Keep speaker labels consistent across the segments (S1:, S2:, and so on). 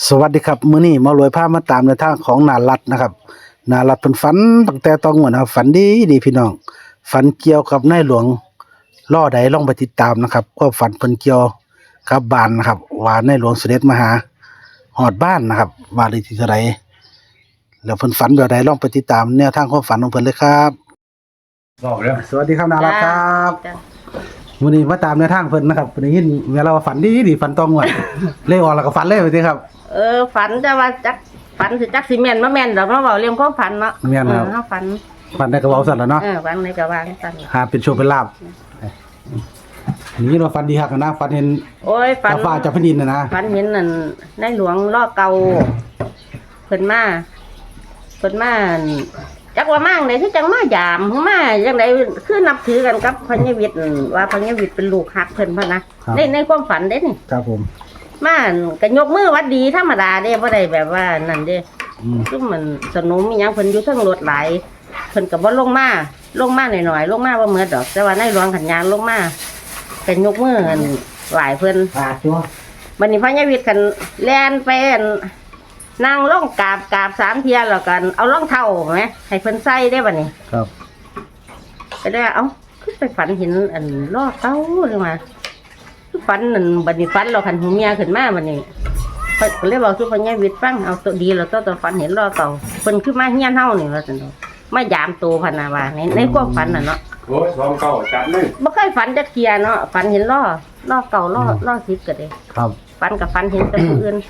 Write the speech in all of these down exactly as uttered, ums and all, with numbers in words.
S1: สวัสดีครับมื้อนี้มารวยพามาตามในทางของนารัตนะครับนารัตเพิ่นฝันตั้งแต่ตอนงวดนะครับฝันดีดีพี่น้องฝันเกี่ยวกับนายหลวงล่อใดลองไปติดตามนะครับก็ฝันเพิ่นเกี่ยวกับบ้านนะครับว่านายหลวงเสด็จมาหาฮอดบ้านนะครับว่าได้ที่เท่าใดแล้วเพิ่นฝันแบบใดลองไปติดตามแนวทางความฝันของเพิ่นเลยครับบอกแล้วสวัสดีครับนารัตครับมื้อนี้มาตามแนวทางเพิ่นนะครับเพิ่นได้ยินเวลาว่าฝันดีดีฝันตองวดเลยออกแล้วก็ฝันเลยไปสิครับ
S2: เออฝันจะว่าจักฝันสิจักสิแม่นบ่แม่นดอกเนาะเว้าเรื่องความฝันเนาะ
S1: แม่นครับ
S2: เฮาฝัน
S1: ฝันได้ก็เว้าซั่นล่ะเนาะ
S2: เออฝันในก็ว่าซั่น
S1: หาเป็นโชคเป็นลาภนี่เราฝันดีฮักนะฝันเห็น
S2: โอ้ยฝัน
S1: ฟ้าจากแผ่นดินน่ะนะ
S2: ฝันเห็นนั่นในหลวงล่อเก่าเพิ่นมาเพิ่นมาจักว่ามั่งได้คือจังมายามมาจังได๋คือนับถือกันกับพญวิทย์ว่าพญวิทย์เป็นลูกฮักเพิ่นพ่นนะในในความฝันเด้นี่
S1: ครับผม
S2: มาก็ยกมือวัดดีธรรมดาเด้บ่ได้แบบว่านั่นเด้ซึ่งมันสนุมมีหยังเพิ่นอยู่เทิงรถหลายเพิ่นก็บ่ลงมาลงมาหน่อยๆลงมาบ่เหมือนดอกแต่ว่าในหลวงขันยางลงมาก็ยกมือกันไหว้เพิ่น
S3: ปาดจั่ว
S2: บัดนี้พญวิทย์กันแล่นไปนั่งลงกราบกราบสามเที่ยแล้วกันเอารองเท้าแหมให้เพิ่นใส่ได้บัดนี้
S1: ครับ
S2: ก็ได้เอ้าคือไปฝันเห็นอันล้อเต้าเลยมาฝันนั่นบัดนี้ฝันเราขันหูเมียขึ้นมาบัดนี้เพิ่นก็เลยบอกสู่พญวิทย์ฟังเอาตัวดีแล้วตัวตัวฝันเห็นล้อเก่าเพิ่นคือมาเฮียนเฮานี่ว่าซั่นเนาะมายามตัวพะนาว่าในในความฝันน่ะเนาะ
S3: โอ้ยสองเก้าจัดเลย
S2: บ่เคยฝันจักเที่ยเนาะฝันเห็นล้อล้อเก่าล้อล้อสิบก็ได้
S1: ครับ
S2: ฝันกับฝันเห็นแต่ผู้อื่น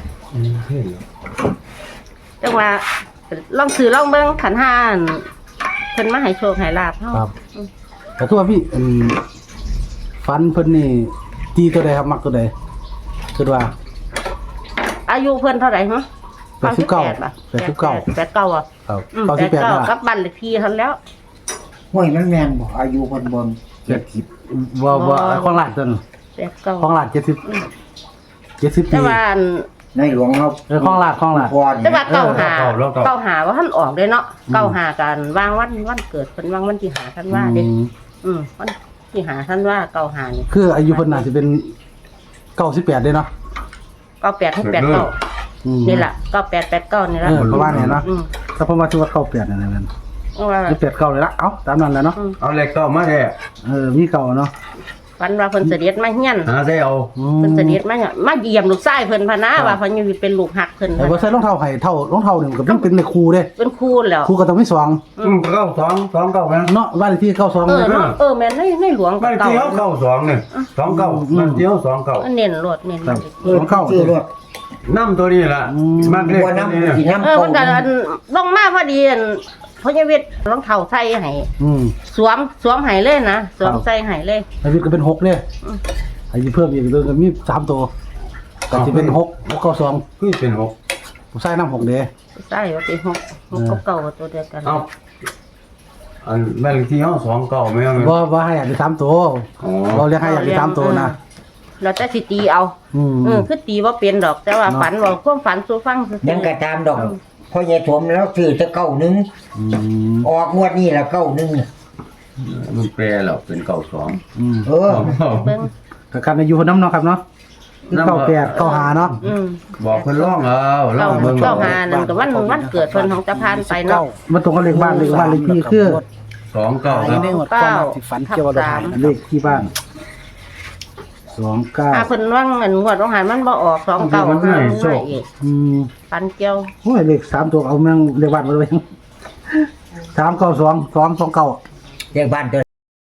S2: จังว่าลองซื้อลองเบิ่งขันห้าเพิ่นมาให้โชคให้ลาภเฮา
S1: ครับแต่คือว่าพี่อืมฝันเพิ่นนี่ตีตัวใดครับมักตัวใดคือว่า
S2: อายุเพิ่นเท่าไหร่ฮะ
S1: แปดสิบเก้าป่ะแปดสิบเก้า
S2: แปดสิบเก้าอ่ะ
S1: ครับ
S2: เก้าสิบแปดกับบ้านเลขที่เท่าแล้ว
S3: ห้วยมันแม่นบ่อายุเพิ่นบ่เจ็ดสิบ
S1: บ่บ่ของหลานตัวนึง
S2: แปดสิบเก้า
S1: ของหลานเจ็ดสิบ เจ็ดสิบปี
S2: แต่ว่า
S3: ในหลวงเฮา
S1: เออของหลานของหลาน
S2: แต่ว่าเก้าหาเก้าหาว่าท่านออกเลยเนาะเก้าหากันวางวันวันเกิดเพิ่นวางวันที่หาท่านว่าเด้อืมวันที่หาท่านว่าเก้าหานี่
S1: คืออายุเพิ่นน่าจะเป็นเก้าสิบแปดเด้เนาะ
S2: เก้าแปดถึงแปดเก้านี่ล่ะเก้าแปด แปดเก้านี่ล่ะ
S1: เออประมาณนี้เนาะถ้าเพิ่นว่าชื่อว่าเก้าแปดนั่นแหละคือแปดเก้าเลยละเอ้าตามนั้นแหละเนาะ
S3: เอาเลขเก้ามาแท้
S1: เออมีเก้าเนาะ
S2: ฝันว่าเพิ่นเสด็จมาเฮียน
S3: หาใส่เอา
S2: เพิ่นเสด็จมามาเยี่ยมลูกชายเพิ่นพะนะว่าเพิ่นอยู่เป็นลูกฮักเพิ่น
S1: แต่บ่ใส่รองเท้าให้เท่ารองเท้านี่มันก็เป็นในครูเด้
S2: เป็นครูแล้ว
S1: ครูก็ต้องมีสอง
S3: อืมเก้าสองสองเก้าแม่น
S1: เนาะบ้านเลขที่เก้าสอง
S2: เออเนาะเออแม่นในในหลวง
S3: บ้านที่เฮาเก้าสองนี่สองเก้าบ้านที่เฮาสองเก้า
S2: เน้นรถเน้น
S1: สองเก้า
S3: ชื่อรถนำตัวนี้ล่ะมากเลขตัวนี้
S2: เออมันก็ลงมาพอดีพญวิทย์รองเท้าใส่ให้สวมสวมให้เลยนะสวมใส่ให้เลย
S1: พญวิทย์ก็เป็นหกเลยให้เพิ่มอีกตัวก็มีสามตัวก็สิเป็นหก หกเก้าสอง
S3: คือเป็นหก
S1: ผู้ชายนำหกเด้
S2: ใช่ว่าเป็นหก หกเก้าตัวเดียวกัน
S3: เอ้าอันแม่นที่เฮาสองเก้าแม่น
S1: บ่บ่ให้อยากได้สามตัวเราเรียกให้อยากได้สามตัวนะ
S2: แล้วแต่สิตีเอาอืมคือตีบ่เป็นดอกแต่ว่าฝันว่าความฝันสู่ฟัง
S3: ยังก็ตามดอกพ่อใหญ่ถมแล้วซื้อแต่เก้านึงออกงวดนี้ละเก้านึงมันแปลแล้วเป็นเก้าสองอืมเออ
S1: เบิ่งก็กันอายุเพิ่นนำเนาะครับเนาะเก้าแปด เก้าห้าเนาะ
S2: อืม
S3: บอกเพิ่นร้องเอาร้องเบิ่ง
S2: เก้าห้านั่นก็วันวันเกิดเพิ่นของตะพานไปเนาะ
S1: มันตรงกับเลขบ้านเลขบ้านเลขที่คือ
S3: สองเก้า
S1: ครับในหมดความที่ฝันเกี่ยวกับเลขที่บ้านสองเก้า
S2: อ่าเพิ่นว่างอันงวดของหันมันบ่ออกสองเก้ามันให้อีกอืมฝันเกี่ยว
S1: โอ้ยเลขสามตัวเอาแม่งเลขบ้านมาเลยสามเก้าสอง สอง สองเก้า
S3: เลขบ้านเด้อ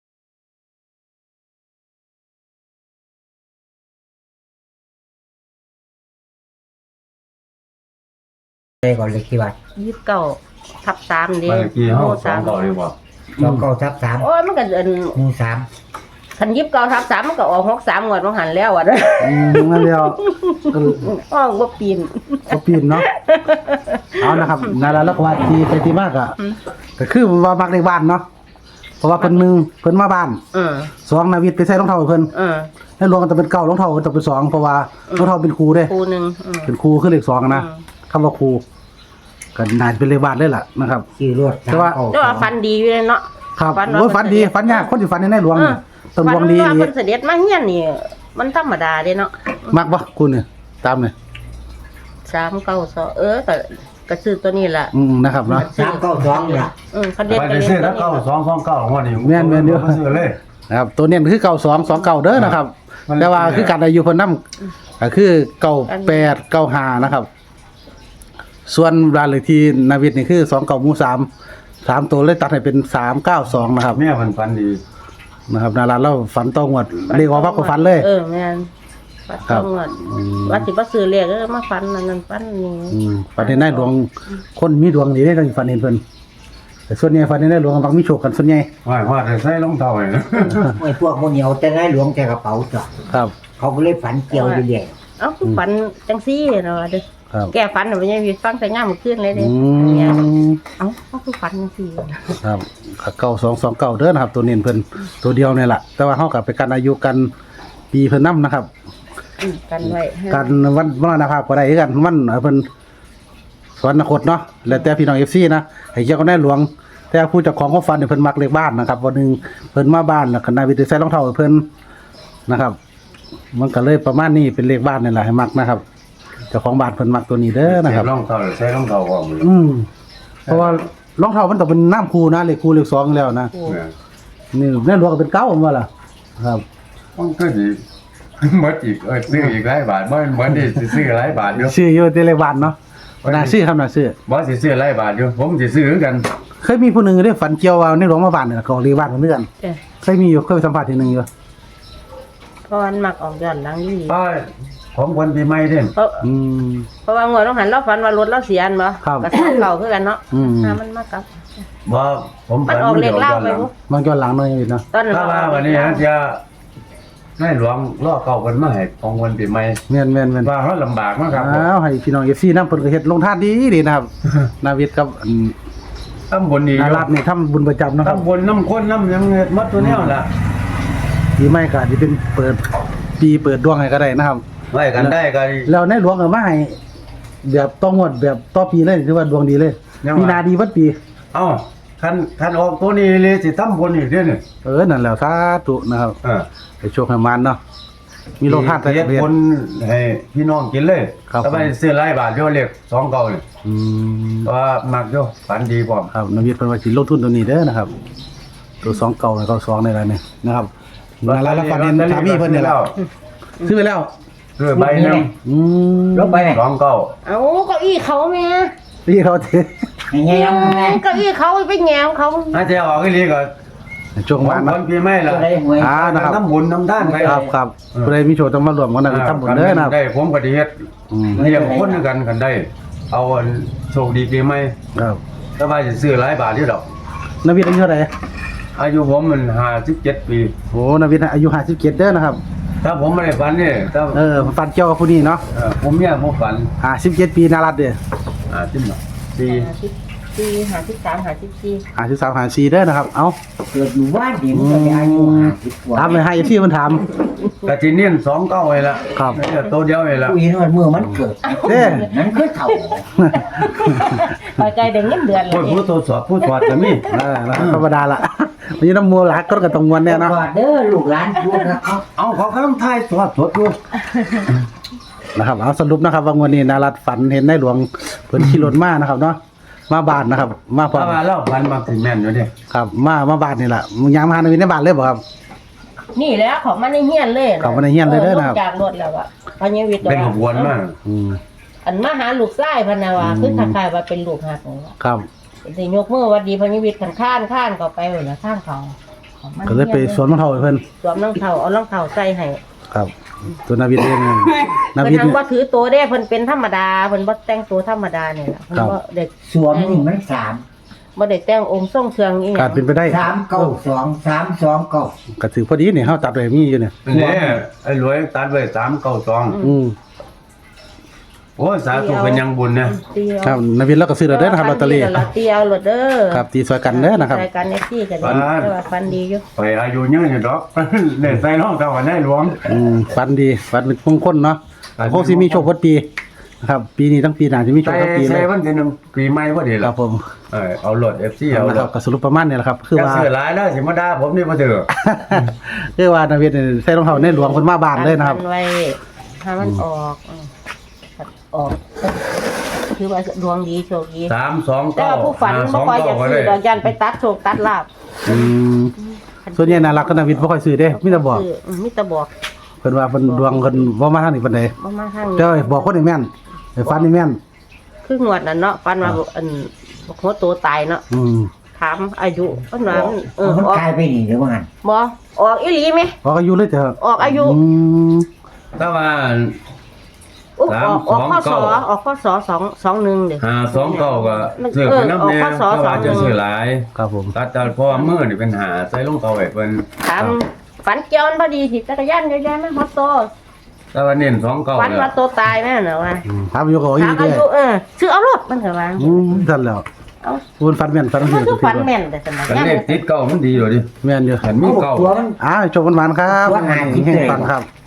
S3: เลขก่อนเลขที่บ้าน
S2: ยี่สิบเก้าทับสามเด้
S3: โอ้สามเก้าเลยบ่สองเก้าทับสาม
S2: โอ้ยมันก็อัน
S3: หมู่สาม
S2: คันยิบเก้าทับสามมันก็ออกหกสามงวดของหันแล้วอ่ะเด้อ
S1: อืมนั่นแล้ว
S2: อ้อบ่ปีน
S1: บ่ปีนเนาะเอานะครับนั่นล่ะแล้วก็ว่าที่ไปที่มากอ่ะก็คือว่ามักเลขบ้านเนาะเพราะว่าเพิ่นหนึ่งเพิ่นมาบ้านเออสองนาวิทย์ไปใส่รองเท้าเพิ่นเออแล้วรวมกันจะเป็นเก้ารองเท้าต้องเป็นสองเพราะว่ารองเท้าเป็นครูเด้
S2: ครูนึง
S1: เป็นครูคือเลขสองนะคำว่าครูก็น่าจะเป็นเลขบ้านเลยล่ะนะครับ
S3: ชื่อรถ
S2: แต่ว่าแต่ว่าฝันดีอยู่เลยเนาะ
S1: ครับโอ้ยฝันดีฝันยากคนที่ฝันในหลวงนี่ต้นดวงดี
S2: นี่เพิ่นเสด็จมาเฮียนนี่มันธรรมดาเด้เนาะ
S1: มักบ่คุณนี่ตามนี่
S2: ใช่สามเก้าสองเออก็ก็ซื้อตัวนี้ล่ะ
S1: อืมนะครับเนาะ
S3: สามเก้าสองล่ะ
S2: อืมคันเด็ด
S4: ไป
S2: ก็
S4: ได้
S2: เล่น
S4: ซื้อ
S2: ตั
S4: แล้ว ว
S2: นี้
S4: เก้าสองสองเก้าหัวนี่
S1: แม่นแม่นเด้อ
S4: บ่ซื้อเลย
S1: นะครับตัวเน้นคือเก้าสองสองเก้าเด้อนะครับ
S4: มัน
S1: แต่ว่าคือการอายุเพิ่นนำก็คือเก้าแปดเก้าห้านะครับ ส่วนรายเลขที่นาวิทย์นี่คือสองเก้าหมู่สามสามตัวเลยตัดให้เป็นสามเก้าสองนะครับ
S4: แม่มันฟันดี
S1: นะครับนาราเราฝันต้องวดเรียกว่าพักก็ฝันเลย
S2: เออแม่นปัด
S1: ครั
S2: ต้
S1: บ
S2: องว่าว่าสิบ่ซื้อเลขเออมาฟันนั่นนั่นฟันนี่
S1: อืมฝันเห็นได้หลวงคนมีดวงดีได้ต้องฝันเห็นเพิ่นแต่ส่วนใหญ่ฝันเห็นได้หลวงบางมีโชคกันส่วนใหญ่
S4: ว่าว่าแต่ใส่รองเท้าให้นะ
S3: ไอ้พวกพวกเหนียวแต่ได้หลวงแต่กระเป๋าจ้ะ
S1: ครับ
S3: เขาก็เลยฝันเกี่ยวอยู่เรื่อย
S2: เอ้าคือฝันจังซี่เนาะเด้อ
S1: ครับ
S2: แก้ฝันน่ะบ่ยังมีฟังแต่ย่ามมื้อคืนเลยเด้
S1: อื
S2: เนี่ย
S1: ม
S2: เอ้าเขาคือฝันจังซี่
S1: ครับเก้าสองสองเก้าเด้อนะครับ ตัวเน้นเพิ่นตัวเดียวนี่แหละแต่ว่าเฮากับไปกันอายุกันปีเพิ่นนํนะครับ
S2: อืมกันไว้ให้
S1: กันวันมรณภาพก็ได้คือกันมันเพิ่นสวรรคตเนาะแล้วแต่พี่น้อง เอฟ ซี นะให้เกี่ยวกับในหลวง แต่ผู้เจ้าของความฝันนี่เพิ่นมักเลขบ้านนะครับวันหนึงเพิ่นมาบ้านแล้วก็นายวิทย์ใส่รองเท้าให้เพิ่นนะครับ มันก็เลยประมาณนี้เป็นเลขบ้านนี่แหละให้มักนะครับเจ้าของบ้านเพิ่นมักตัวนี้เด้อนะครับ
S4: รองเท้าใส่รองเท้าก่อน
S1: อืมเพราะว่ารองเท้ามันต้องเป็นน้ำคูนะเลขคูเลขสองแล้วนะ
S2: โอ้
S1: นี่ในหลวงก็เป็นเก้าว่าล่ะครับ
S4: มันก็ดีหมดอีกเออซื้ออีกหลายบาทบ่เหมือนนี่สิซื้อหลายบาทอยู่
S1: ชื่ออยู่ที่เลขบ้านเนาะน่าซื้อครับน่าซื้อ
S4: บ่สิซื้อหลายบาทอยู่ผมสิซื้อคือกัน
S1: เคยมีผู้หนึงได้ฝันเกี่ยวว่าในหลวงมาบ้านนี่ล่ะของเลขบ้านของเพื่อน
S2: เอ้ย
S1: เคยมีอยู่เคยไปสัมภาษณ์ทีหนึงอยู่
S2: เพราะมันมักออกย้อนหลังนี่
S4: ป้าของคนปีใหม่เด้
S2: เพราะ
S1: อืม
S2: เพราะว่างวดต้องหันเราฝันว่ารถเราเสียอันบ่
S1: ครับ
S2: ก็สามเก่าคือกันเนาะ
S1: อืม
S2: ถ้ามันมากลับ
S4: บ่ผม
S2: มันออกเลขเล่าไปบ่
S1: บางย้อนหลังหน่อยนิดเนาะ
S2: ตอนนั้น
S4: ถ้าว่าวันนี้ฮะจะในหลวงล่อเก่าเพิ่นมาให้ของคนปีใหม่
S1: แม่นแม่นแม่น
S4: ว่าเฮาลำบากมากครับ
S1: อ้าวให้พี่น้อง เอฟ ซี นำเพิ่นก็เฮ็ดลงทานดีดีนะครับ นาวิทย์กับอัน
S4: ตำบลนี้อ
S1: นา
S4: ยู่
S1: รัตน์นี่ทำบุญประจำนะครับ
S4: ตำบลน้ำข้นน้ำหยังเฮ็ดหมดตัวแนวล่ะ
S1: ปีใหม่ก็อาจสิเป็นเปิดปีเปิดดวงให้ก็ได้นะครับ
S4: ไว้กันได้ก็ดี
S1: แล้วในหลวงก็มาให้แบบต้องงวดแบบต่อปีเลยถือว่าดวงดีเลย
S4: ยังว่า
S1: มีนาดีวัดปี
S4: เอ้าคันคันออกตัวนี้เลยสิตำบลอีกเด้อนี่
S1: เออนั่นแหละสาธุนะครับ
S4: เออ
S1: ให้โชคให้มานเนาะมีโลกทานแต่
S4: เฮ็ด
S1: เรียน
S4: คนให้พี่น้องกินเลย
S1: ครับ
S4: ถ้าไปซื้อหลายบาทอยู่เลขสองเก่านี่
S1: อืม
S4: ว่ามักอยู่ฝันดีพร้อม
S1: ครับนาวิทย์เพิ่นว่าสิลงทุนตัวนี้เด้อนะครับ ตัวสองเก่าแล้วก็สองในอะไรนี่นะครับนารัตน์และฟันเห็นสามีเพิ่นนี่แหละซื้อไปแล้ว
S4: ซื้อใบหนึง
S1: อืม
S3: ลบไปไหม
S4: สองเก่า
S2: เอ้าเก้าอี้เขาแม่
S1: พี่เขาเท
S3: ไงยังไง
S2: เก้าอี้เขาไปแหงวเขา
S4: อาจจะออกอีหลีก็
S1: ช่วง
S4: ขอ
S1: วาง น
S4: ค
S1: นะ
S4: นปีใหม่ล่ะ
S3: ก็ได้หวย
S1: อ่านะครับ
S4: น้ำบุญน้ำด้านไป
S1: ครับครับผู้ใดมีโชคต้องมารวมกันนะทำบุญเด้อนะครับ
S4: ได้ผมก็ดีเฮ็ด
S1: อืม
S4: เรียกคนด้วยกันกันได้ เอาอันโชคดีปีใหม่
S1: ครับ
S4: ถ้าว่าจะซื้อหลายบาทที่ดอก
S1: นาวิทย์อายุเท่าไหร่
S4: อายุผมมันห้าสิบเจ็ดปี
S1: โอ้นาวิทย์อายุห้าสิบเจ็ดเด้อนะครับ
S4: ถ้าผมไม่ได้ฝันเนี่ยถ้า
S1: เออฟันเกี่ยวกับผู้นี้เนาะ
S4: เอ่อผมเนี่ยผมฝัน
S1: ห้าสิบเจ็ดปีนารัตน์เด้อ
S4: อ่าจิ้มหน่อยปี
S2: หาสิบสี่หาสิบสามหาสิบสี่
S1: ห้าสิบสามห้าสี่เด้อนะครับ เอ้า
S3: เกิดอยู่บ้านเดียวก็ได้อายุห้าสิบกว่า
S1: ถามเลยให้ที่มันถาม
S4: กะจิเนียนสองเก้าเลยละ
S1: ครับ
S4: เนี่ยตัวเดียวเลยละ
S3: ผู้หญิงมันเมื่อมันเกิด
S1: เด้อ
S3: นั้นคือเถ่า
S2: ไปไกลเด็กเงินเดือนเล
S4: ผู้
S2: ย
S4: ผู้ตรวจสอบผู้ตรวจก็มี
S1: เออนะครับธรรมดาละมันจะน้ำมัวหลักก็กระตรงวันเนี่ยเนาะ
S3: ว่าเด้อลูกหลานพูดนะเขา
S4: เอาเขาก็ต้องทายตรวจตรวจดู
S1: นะครับเอาสรุปนะครับว่าวันนี้นารัตน์ฝันเห็นในหลวงเพิ่นขี่รถมานะครับเนาะมาบ้านนะครับ มาพร้อ
S4: ถ้าม ว่าเราฝันมาถึงแม่นอยู่เนี่ย
S1: ครับ มามาบ้านนี่แหละมึงยางมาหานาวิทย์ในบ้านเลยบ่ครับ
S2: นี่แหล้วของมันในเฮียนเลย
S1: ของมันในเฮียนเลยเด้อนะครับ
S2: ลงจากรถแล้วอะพันยวิทย์
S4: เป็นขบวนมาก
S1: อืม
S2: อันมาหาลูกไส้พันนาวา
S1: อืม
S2: คือคล้ายๆว่าเป็นลูกหักนี่ล่ะ
S1: ครับ
S2: สิยกมือหวัดดีพันยวิทย์ขันข้านข้านก็ไปเลยนะข้างเขาของมัน
S1: ก็เลยไปสวนมะเท่าให้เพิ่น
S2: สวมรองเท้าเอารองเท้าใส่ให้
S1: ครับตัวนาวิทย์เองนา
S2: เพิ่
S1: วิ
S2: น
S1: ทย์
S2: ทำว่าถือตัวได้เพิ่นเป็นธรรมดาเพิ่นบ่แต่งตัวธรรมดาเนี่ยล่ะเพิ่น
S1: ครับ
S2: บ่เด็ก
S3: สวมนี่มันสาม
S2: บ่ได้แต่งองค์ทรงเครื่องอีห
S1: กา
S2: ยั
S1: รง เป็นไปได้
S3: สามเก้าสองสามสองเก้า
S1: ก็ถือพอดีนี่เฮาตัดไว้มีอยู่เนี่ย
S4: เนี่ยไอ้รวยตัดไว้สามเก้าสอง
S1: อืม
S4: โอ้ยสาธุเป็นยังบุญเนี่ย
S2: ตีเอา
S1: ครับนาวิทย์แล้วก็ซื้อแล้วเด้อนะครับลอตเตอรี่
S2: ลอตเตอรี่เอาลอตเด้อ
S1: ครับตีซอยกันเด้อนะครับ
S2: รายการเอฟซีกัน
S4: ฟัน
S2: แต่ว่าฟันดีอยู่
S4: ไปอายุเยอะอยู่ดอก เนี่ยใส่รองเท้าในหลวง
S1: อืมฝันดีฝันเป็นมงคลเนาะ
S4: ฝัน
S1: คงสิมีโชคพอดปีนะครับ ปีนี้ทั้งปีหน้าจะมีโช
S4: ใส่
S1: คทั้งปีเล
S4: ใส่
S1: ย
S4: วันที่หนึ่งปีใหม่พอดี
S1: ค
S4: ละ
S1: รับผม
S4: เออเอารถเอฟซีเอา
S1: นะ
S4: ร
S1: ครับ
S4: ถ
S1: ก็สรุปประมาณนี้แหละครับ คือ
S4: จะ
S1: ว่า
S4: ซื้อหลายแล้วสิมาด่าผมนี่มาเถอะ
S1: คือว่านาวิทย์นี่ใส่รองเท้าในหลวงเพิ่นมาบ้านเลยนะครับ
S2: ฟันไว้ถ้ามันออกอืมออกถือว่าดวงดีโชคดี
S4: สามสอง
S2: แต่
S4: เก้า
S2: ว่าผู้ฝัน
S4: ห้าส
S2: บ่
S4: อง
S2: ค่อยอยา
S4: เก้าก ก็
S2: ซื้
S4: ได้
S2: อดอกยันไปตัดโชคตัดลาบ
S1: อืมส่วนใหญ่น่ารักก็นาวิทย์บ่ค่อยซื้อเด้มีแต่บอก
S2: ซื้มีแต่บอก
S1: เพิ่นว่าเพิ่นดวงเพิ่นบ่มาทางนี้ปานใด
S2: บ่มาทาง
S1: แต่ว่าบอกคนนี่แม่นไอ้ฟันนี่แม่น
S2: คืองวดนั้นเนาะฝันว่าอันหัวโตตายเนาะ
S1: อืม
S2: ถามอายุเพิ่นว่ามันเออ
S3: มัน
S2: ออก
S3: กลายไปนี่เดี๋ยวว่างั้น
S2: บ่ออกอีหลีไหม
S1: บอกอายุเลยเถอะ
S2: ออกอายุ
S1: อืม
S4: ถ้าว่า
S2: อุ๊ย
S4: สาม
S2: ออกออกข้อ
S4: ส
S2: ส
S4: อง
S2: อ
S4: เก้า
S2: ออกข้อสอสองสองหนึ่งเด้อ
S4: ห้าสองเก้าก็ซื้อไปน้ำแน่
S2: เออออกข้อสอ
S4: ถ้าว่าจะ
S2: สองหนึ่ง
S4: ซื้อหลาย
S1: ครับผม
S4: ตัดจากเพราะว่ามือนี่เป็นหาใส่ลงเตาไว้เพิ่น
S2: ถามฝันเกี่ยวมันพอดีสิจักรยานเยอะแยะไหมฮอตโต
S4: แต่ว่าเน้นสองเก้า
S2: ฝัน
S4: เนี่ย
S2: ว่าโตตายแม่เหรอวะ
S1: อืมถามอายุก็อี
S2: ถาม
S1: เด้
S2: อายุเออชื่อเอารถมันเหรอวะ
S1: อืมทันแล้ว
S2: เอา
S1: คุณฟันแม่นฟัน
S2: มัน
S1: เสีย
S2: คือฝันแม่นแต่สมัย
S4: กัน
S2: นั้น
S4: เลขติดเก้ามันดีเลยดิ
S1: แม่นอยู่
S4: เห็นมีเก้า
S3: ตัวมัน
S1: อ้าวโชคมันหวานครับ
S3: ตัวหาคิด
S1: แห่ง
S3: เลย
S1: ฟังครับ